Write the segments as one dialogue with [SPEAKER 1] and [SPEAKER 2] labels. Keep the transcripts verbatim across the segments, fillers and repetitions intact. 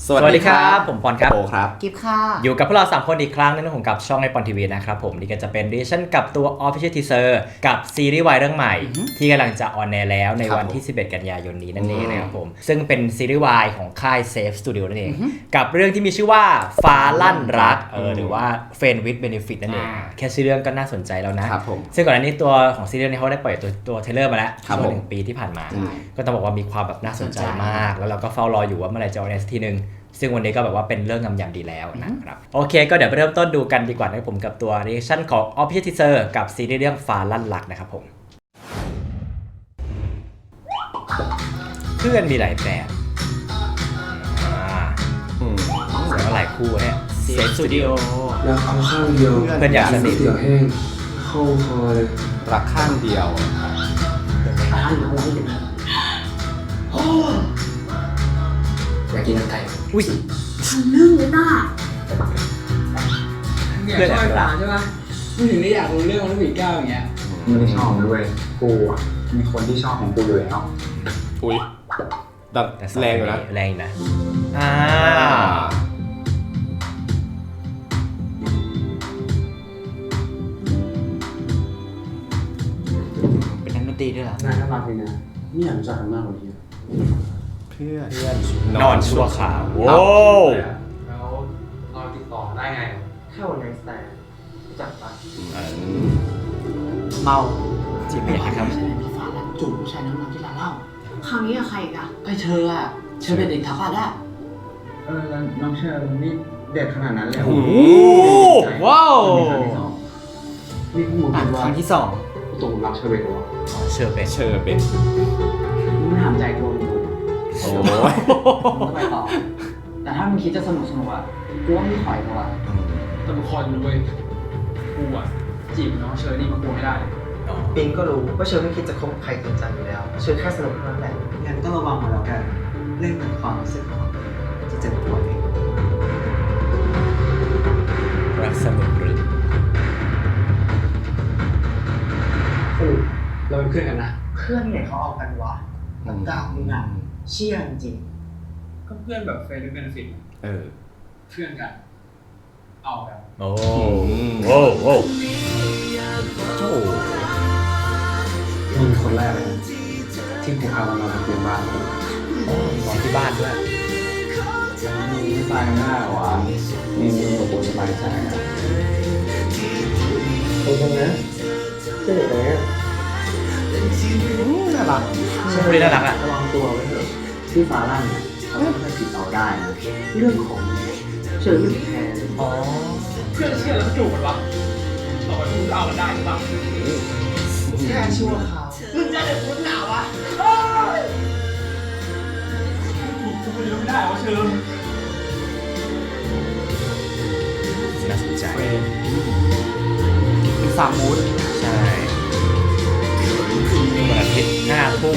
[SPEAKER 1] สวัสดีครับผมปอนครับ
[SPEAKER 2] โอครับ
[SPEAKER 3] กิฟค่ะ
[SPEAKER 1] อยู่กับพวกเราสามคนอีกครั้งนึงของกับช่องไอปอนทีวีนะครับผมนี่ก็จะเป็นดิชั่นกับตัว Official Teaser กับซีรีส์วายเรื่องใหม่ที่กำลังจะออนแอร์แล้วในวันที่สิบเอ็ดกันยายนนี้นั่นเองนะครับผมซึ่งเป็นซีรีส์วายของค่าย Safe Studio นั่นเองกับเรื่องที่มีชื่อว่าฟ้าลั่นรักเออหรือว่า Friend with Benefit นั่นเองแค่ชื่อเรื่องก็น่าสนใจแล้วนะครับ
[SPEAKER 2] ผม
[SPEAKER 1] ซึ่งก่อนหน้านี้ตัวของซีรีส์นี้เขาได้ปล่อยตัวตัวเทรลเลอร์มาแล้วช่วงหนึ่งปีที่ผ่านมาก็ต้องบอกว่ามีความแบบน่าสนใจมากแล้วเราก็เฝ้ารออยู่ว่าเมื่อไหร่จะออนแอร์สักทีนึงซึ่งวันนี้ก็แบบว่าเป็นเรื่องงามยามดีแล้วนะครับโอเคก็เดี๋ยวไปเริ่มต้นดูกันดีกว่านะครับผมกับตัว reaction ของ Official Teaser กับซีรีส์เรื่องฟ้าลั่นรักนะครับผมเพื่อนมีหลายแบบอ่าแสดงว่าหลายคู่เนี่ย Safe Studio
[SPEAKER 4] รักเขาข้างเดียว
[SPEAKER 1] เพื่อนอยากสนิท
[SPEAKER 4] เสือแห้งเข้าคอเลย
[SPEAKER 2] รักข้างเดียว
[SPEAKER 4] อยากกินน้ำไก่
[SPEAKER 1] อุ้ย
[SPEAKER 3] ทำเรื่องเลยต้า
[SPEAKER 5] เนี่ยชอบไอ้ปลาใช่ปะมึงถึงได้อยากรู้เรื่องมันผีก้าวอย่างเงี้ย
[SPEAKER 4] ไม่ได้ชอบมันด้วยกูอ่ะมีคนที่ชอบของกูอยู่แล้ว
[SPEAKER 2] อุ้ยดัง
[SPEAKER 1] แต่
[SPEAKER 2] แรงอยู่นะ
[SPEAKER 1] แรงนะอ่า
[SPEAKER 3] เป็นนักดนตรีด้วยเหรอ
[SPEAKER 4] น่ารักเลยนะไม่อยากรู้จักกันมากกว่านี้
[SPEAKER 2] เพื่อน
[SPEAKER 1] เพื่อนนอนชั่วขาวโว้
[SPEAKER 5] แล้วนอนติดต่อได้ไง
[SPEAKER 4] แค่วันไนท์สแตนรู้จักปะ
[SPEAKER 3] เมา
[SPEAKER 1] จีบเมียนะครับ
[SPEAKER 3] มีฟ้าลั่นจูบผู้ชายน้ำมันที่ร้านเหล้าคราวนี้กับใครอีกอะก็เธออะเธอเป็นเด็กทัพอะได้
[SPEAKER 4] เออแล้วน้องเชอร์นี่เด็ดขนาดนั้นเลย
[SPEAKER 1] โอ้โหว้าว
[SPEAKER 4] นี่กู
[SPEAKER 3] อ่าน
[SPEAKER 4] คิดว่า
[SPEAKER 3] ครั้งที่สอง
[SPEAKER 4] กูตกหลุมรักเชอร์เบนวะ
[SPEAKER 1] เชอร์เบน
[SPEAKER 2] เชอร์เบน
[SPEAKER 4] มึงถามใจกูมึง
[SPEAKER 2] โอ้ย
[SPEAKER 4] ก็ไปต่อแต่ถ้ามึงคิดจะสนุกสนุกอ่ะกูว่าไม่ถอยกูอ่ะ
[SPEAKER 5] แต่บางคนด้วยกูอ่ะจีบน้องเชอร์นี่มากูไม่ได้
[SPEAKER 6] ปิงก็รู้ว่าเชอร์ไม่คิดจะคบใครจริงจังอยู่แล้วเชอร์แค่สนุกเท่านั้นแหละงั้นก็ระวังมาแล้วกันเรื่องของความรู้สึกของจะเจ็บปวดเอง
[SPEAKER 1] รักสนุกหรือ
[SPEAKER 4] สรุปเราเป็นเพื่อนกันนะ
[SPEAKER 6] เพื่อนเนี่ยเขาเอากันวะมันกล่าวมึงอ่ะเชี่ยจริง
[SPEAKER 5] ก็เพื่อนแบบเฟรนด์เป็นฟิต
[SPEAKER 2] เออ
[SPEAKER 5] เพื่อนกัน เอาแบบ
[SPEAKER 1] โอ้โอ้โอ้โอ้
[SPEAKER 4] มึงคนแรกเลยที่กูพามันมานอนเตียงบ้าน
[SPEAKER 1] นอนที่บ้านด้วย
[SPEAKER 4] มึงไม่ตายง่ายหรอวะมึงมึงกับกูสบายใจอ่ะตรงๆนะเจ๊ตรงนี้
[SPEAKER 2] น่ารัก
[SPEAKER 1] ใช่คนนี้น่ารักอ่ะ
[SPEAKER 4] ระวังตัวไว้เถอะที่ฟ้าลั่นเขาไม่เคยผิดเราได้นะเรื่องของเชอร์รี่แทน
[SPEAKER 1] อ๋อ
[SPEAKER 5] เพื่อนเชื่อแล้วจูบกันวะต่อไปมึงก็เอากันได้หรือเปล่า
[SPEAKER 6] ๆแค่ชั่วคราว
[SPEAKER 5] มึงจะเด็กมึงหนาวะกูไม่รู้ไม่ได้ว่าเชอร์
[SPEAKER 1] น่าสนใจ
[SPEAKER 3] เป็นสามมูด
[SPEAKER 1] ใช่วันอาทิตย์ห้าทุ่ม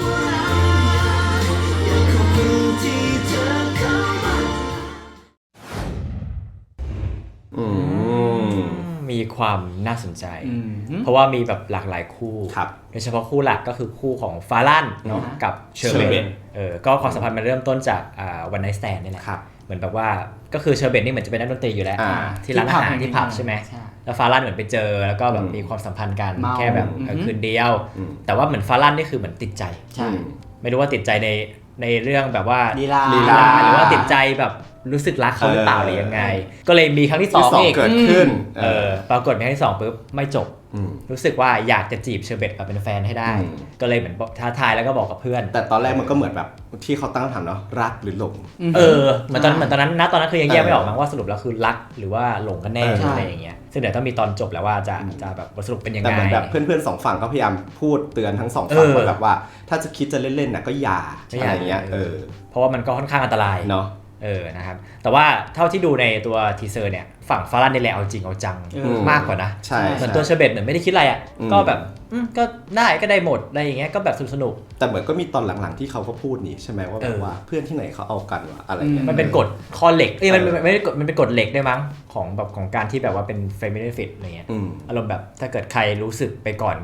[SPEAKER 2] อืม
[SPEAKER 1] มีความน่าสนใจ เพราะว่ามีแบบหลากหลายคู่
[SPEAKER 2] ครับ
[SPEAKER 1] โดยเฉพาะคู่หลักก็คือคู่ของฟาลันเนาะกับเชอร์เบ
[SPEAKER 2] เชอร์เบ
[SPEAKER 1] น
[SPEAKER 2] น
[SPEAKER 1] เออก็ความสัมพันธ์มันเริ่มต้นจากอ่าวันไนท์สแตนนี่แหละ
[SPEAKER 2] ครับ
[SPEAKER 1] เหมือนแบบว่าก็คือเชอร์เบนนี่เหมือนจะเป็นนักดนตรีอยู่แล้ว
[SPEAKER 2] อ่า
[SPEAKER 1] ที่ร้านอาหารที่ผับใช่ไหม
[SPEAKER 3] ใช่
[SPEAKER 1] แล้วฟาลันเหมือนไปเจอแล้วก็แบบ
[SPEAKER 2] อืม
[SPEAKER 1] มีความสัมพันธ์กัน
[SPEAKER 3] เมา
[SPEAKER 1] แค่แบบเออคืนเดียว
[SPEAKER 2] อืม
[SPEAKER 1] แต่ว่าเหมือนฟาลันนี่คือเหมือนติดใจ
[SPEAKER 3] ใช่
[SPEAKER 1] ไม่รู้ว่าติดใจในในเรื่องแบบว่า
[SPEAKER 3] ลีลา
[SPEAKER 1] ลีลาหรือว่าติดใจแบบรู้สึกรักเขาหรือเปล่า
[SPEAKER 2] เออ
[SPEAKER 1] หรือยังไง ก็เลยมีครั้งที่สอ
[SPEAKER 2] ที่
[SPEAKER 1] ง
[SPEAKER 2] สอง
[SPEAKER 1] อีก
[SPEAKER 2] เกิดขึ้น
[SPEAKER 1] เออปรากฏมีครั้งที่สองปุ๊บไม่จบ
[SPEAKER 2] อืม
[SPEAKER 1] รู้สึกว่าอยากจะจีบเชอร์เบตมาเป็นแฟนให้ได้
[SPEAKER 2] อืม
[SPEAKER 1] ก็เลยเหมือนบอกท้าทายแล้วก็บอกกับเพื่อน
[SPEAKER 2] แต่ตอนแรกมันก็เหมือนแบบที่เขาตั้งคำถามเนาะรักหรือหลง
[SPEAKER 1] เออเหมือนตอนเหมือนตอนนั้นนะตอนนั้นคือยังแยก
[SPEAKER 2] เออ
[SPEAKER 1] ไม่ออกมั้งว่าสรุปแล้วคือรักหรือว่าหลงกันแน่
[SPEAKER 2] เออ
[SPEAKER 1] อะไรอย่างเงี้ยซึ่งเดี๋ยวต้องมีตอนจบแล้วว่าจะจะแบบบทสรุปเป็นยัง
[SPEAKER 2] แต่
[SPEAKER 1] ไง
[SPEAKER 2] เหมือนแบบเพื่อนๆสองฝั่งก็พยายามพูดเตือนทั้งสองฝั่ง
[SPEAKER 1] เออ
[SPEAKER 2] ว่าแบบว่า ถ้าจะคิดจะเล่นๆน่ะก็อย่า
[SPEAKER 1] ไม่
[SPEAKER 2] อะไรอย่างเงี้ย
[SPEAKER 1] เอ
[SPEAKER 2] เอ
[SPEAKER 1] อ
[SPEAKER 2] อ
[SPEAKER 1] เพราะว่ามันก็ค่อนข้างอันตราย
[SPEAKER 2] เนาะ
[SPEAKER 1] เออนะครับแต่ว่าเท่าที่ดูในตัวทีเซอร์เนี่ยฝั่งฟารันนี่แหละเอาจริงเอาจัง
[SPEAKER 3] เออ
[SPEAKER 1] มากกว่านะ
[SPEAKER 2] ใช่
[SPEAKER 1] เหมือน
[SPEAKER 2] ใช่
[SPEAKER 1] ตัวเชอร์เบตเหมือนไม่ได้คิดอะไรอ่ะ
[SPEAKER 2] อืม
[SPEAKER 1] ก็แบบอืมก็ได้ก็ได้หมดอะไรอย่างเงี้ยก็แบบสนุก
[SPEAKER 2] แต่เหมือนก็มีตอนหลังๆที่เขาก็พูดนี่ใช่ไหมว่าแบ
[SPEAKER 1] เอบ อ
[SPEAKER 2] ว่าเพื่อนที่ไหนเขาเอากันวะอะไรเงี้ย
[SPEAKER 1] ๆมันเป็นกฎข้อเหล็กเอ้ยมัน
[SPEAKER 2] เออ
[SPEAKER 1] มันไม่ได้กฎมันเป็นกฎเหล็กด้วยมั้งของแบบของการที่แบบว่าเป็นเฟมินิฟิตอะไรเงี้ย
[SPEAKER 2] อืม
[SPEAKER 1] อารมณ์แบบถ้าเกิดใครรู้สึกไปก่อนก็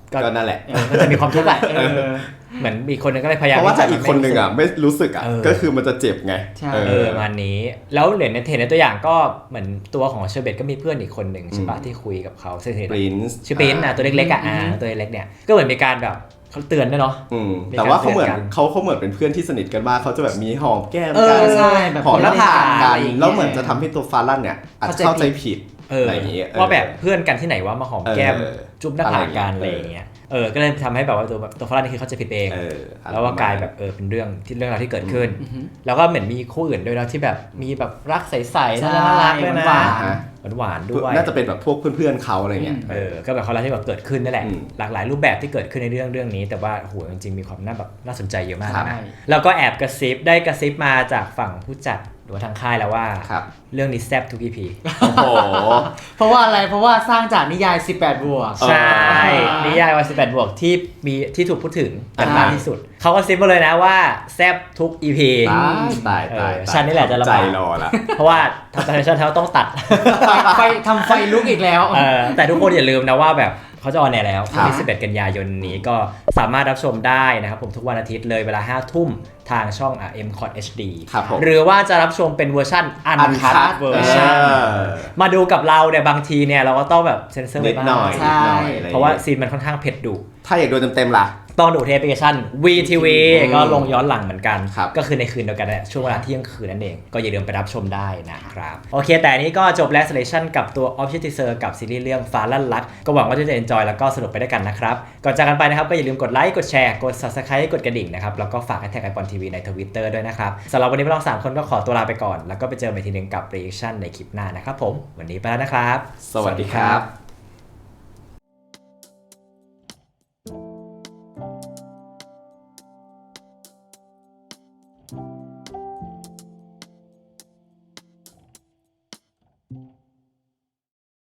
[SPEAKER 2] ก็นั่นแหละ
[SPEAKER 1] เออมันจะมีความทุกข์อะเออเหมือนมีคนนึงก็เลยพยายาม
[SPEAKER 2] เพราะว่าถ้า
[SPEAKER 1] ที่
[SPEAKER 2] อี
[SPEAKER 1] จะ
[SPEAKER 2] กคนนึงอ่ะไม่รู้สึกอ่ะ
[SPEAKER 1] เออ
[SPEAKER 2] ก็คือมันจะเจ็บไง
[SPEAKER 6] ใช่
[SPEAKER 1] เออประมาณนี้แล้วเหรียญในเทนในตัวอย่างก็เหมือนตัวของเชอร์เบตก็มีเพื่อนอีกคนหนึ่งใช่ปะที่คุยกับเขาซึ่ง
[SPEAKER 2] ปรินซ์
[SPEAKER 1] ชื่อปรินซ์นะตัวเล็กๆอ่ะอ่าตัวเล็กๆเนี่ยก็เหมือนมีการแบบเขาเตือนด้วยเนาะ
[SPEAKER 2] อืม
[SPEAKER 1] มี
[SPEAKER 2] แต่ว่าเขาเหมือน
[SPEAKER 1] การเตือนกัน
[SPEAKER 2] เขาเขาเหมือนเป็นเพื่อนที่สนิทกันมากเขาจะแบบมีหอมแก้ม
[SPEAKER 1] เออ
[SPEAKER 2] กัน
[SPEAKER 6] ใช่แบบ
[SPEAKER 2] หอมหน้าผาก
[SPEAKER 6] อะ
[SPEAKER 2] กั
[SPEAKER 6] ไร
[SPEAKER 2] น
[SPEAKER 6] อย่างเงี้ย
[SPEAKER 2] แล้วเหมือนจะทำให้ตัวฟาลั่นเนี่ยอาจจะเข้าใจผิด
[SPEAKER 1] เออ
[SPEAKER 2] อะไรอย่างเงี้ย
[SPEAKER 1] ว่าแบบเพื่อนกันที่ไหนว่ามาหอมแก้ม
[SPEAKER 2] เออ
[SPEAKER 1] จุ๊บหน้าผากกัน
[SPEAKER 2] อะ
[SPEAKER 1] อะไร ไร
[SPEAKER 2] อ
[SPEAKER 1] อย่
[SPEAKER 2] า
[SPEAKER 1] ย่าง ง
[SPEAKER 2] เงี้
[SPEAKER 1] เงี้
[SPEAKER 2] ย
[SPEAKER 1] ยเออก็เลยทำให้แบบว่าตัวตัวฟรั่งนี่คือเขาใจะผิดเอง
[SPEAKER 2] เออ
[SPEAKER 1] แล้วว่ากลายแบบเออเป็นเรื่องที่เรื่องราวที่เกิดขึ้น แล้วก็เหมือนมีคู่อื่นด้วยนะที่แบบมีแบบรักใสๆ
[SPEAKER 6] ใช่
[SPEAKER 1] น่ารักด้วยนะ
[SPEAKER 6] หวาน
[SPEAKER 2] ฮะ
[SPEAKER 1] หวานๆด้วย
[SPEAKER 2] น่าจะเป็นแบบพวกเพื่อนๆเขาอะไรเงี้ย
[SPEAKER 1] เออก็แบบความรักที่แบบเกิดขึ้นนั่นแหละ
[SPEAKER 2] อืม
[SPEAKER 1] หลากหลายรูปแบบที่เกิดขึ้นในเรื่องเรื่องนี้ แต่ว่าโหจริงๆมีความน่าแบบน่าสนใจเยอะมาก
[SPEAKER 2] ครับ
[SPEAKER 1] นะแล้วก็แอบกระซิบได้กระซิบมาจากฝั่งผู้จัดหรือว่าทางค่ายแล้วว่า
[SPEAKER 2] ครับ
[SPEAKER 1] เรื่องนี้แซ่บทุก อี พี
[SPEAKER 2] โอ้โห
[SPEAKER 6] เพราะว่าอะไรเพราะว่าสร้างจากนิยายสิบแปดบวก
[SPEAKER 1] ใช่
[SPEAKER 6] อ่านิ
[SPEAKER 1] นิยายวันสิบแปดบวกที่มีที่ถูกพูดถึงกัน
[SPEAKER 2] อ่าม
[SPEAKER 1] มากที่สุด เขาก็ซิปมาเลยนะว่าแซ่บทุก อี พี
[SPEAKER 2] ตายตายตาย
[SPEAKER 1] เออฉันนี่แหละจะลำบาก
[SPEAKER 2] ใจรอละ
[SPEAKER 1] เพราะว่าทางทางชันเขาต้องตัด
[SPEAKER 6] ไฟไฟทำไฟลุกอีกแล้ว
[SPEAKER 1] เออแต่ทุกคนอย่าลืมนะว่าแบบเขาจะออนแอร์แล้ว
[SPEAKER 2] ครับ
[SPEAKER 1] วันที่สิบเอ็ดกันยายนนี้ก็สามารถรับชมได้นะครับผมทุกวันอาทิตย์เลยเวลาห้าทุ่มทางช่อง เอ็ม คอท เอช ดี
[SPEAKER 2] ครับผม
[SPEAKER 1] หรือว่าจะรับชมเป็นเวอร์ชันอันคั
[SPEAKER 2] Uncut
[SPEAKER 1] ดเวอร์ชัน
[SPEAKER 2] เออ
[SPEAKER 1] มาดูกับเราเนี่ยบางทีเนี่ยเราก็ต้องแบบเซ็นเซอร์
[SPEAKER 2] นิ
[SPEAKER 1] ไว้
[SPEAKER 2] ด
[SPEAKER 1] บ้าง
[SPEAKER 2] หน่อย
[SPEAKER 6] ใช่
[SPEAKER 2] นิดหน่อยอไ
[SPEAKER 1] เพราะว่าซีนมันค่อนข้างเผ็ดดุ
[SPEAKER 2] ถ้าอยากดูเต็มๆล่ะ
[SPEAKER 1] ต้องดูที่แอปพลิเคชัน วี ที วี
[SPEAKER 2] อืม
[SPEAKER 1] ก็ลงย้อนหลังเหมือนกัน
[SPEAKER 2] ครับ
[SPEAKER 1] ก็คือในคืนเดียวกันแหละช่วงเวลาเที่ยงคืนนั่นเอง ก็อย่าลืมไปรับชมได้นะครับ โอเค แต่อันนี้ก็จบแล้ว selection กับตัว Official Teaser กับซีรีส์เรื่องฟ้าลั่นลัก ก็หวังว่าจะ enjoy แล้วก็สนุกไปด้วยกันนะครับ ก่อนจากกันไปนะครับ ก็อย่าลืมกดไลค์กดแชร์กด subscribe กดกระดิ่งนะครับแล้วก็ฝากแท็กไอปอนทีวีใน Twitter ด้วยนะครับสำหรับวันนี้พวกเราสามคนก็ขอตัวลาไปก่อนแล้วก็ไปเจอกันอีกทีนึงกับ reaction ในคลิปหน้านะครับผมวันนี้ไปแล้วนะครับ
[SPEAKER 2] สวัสดีครับ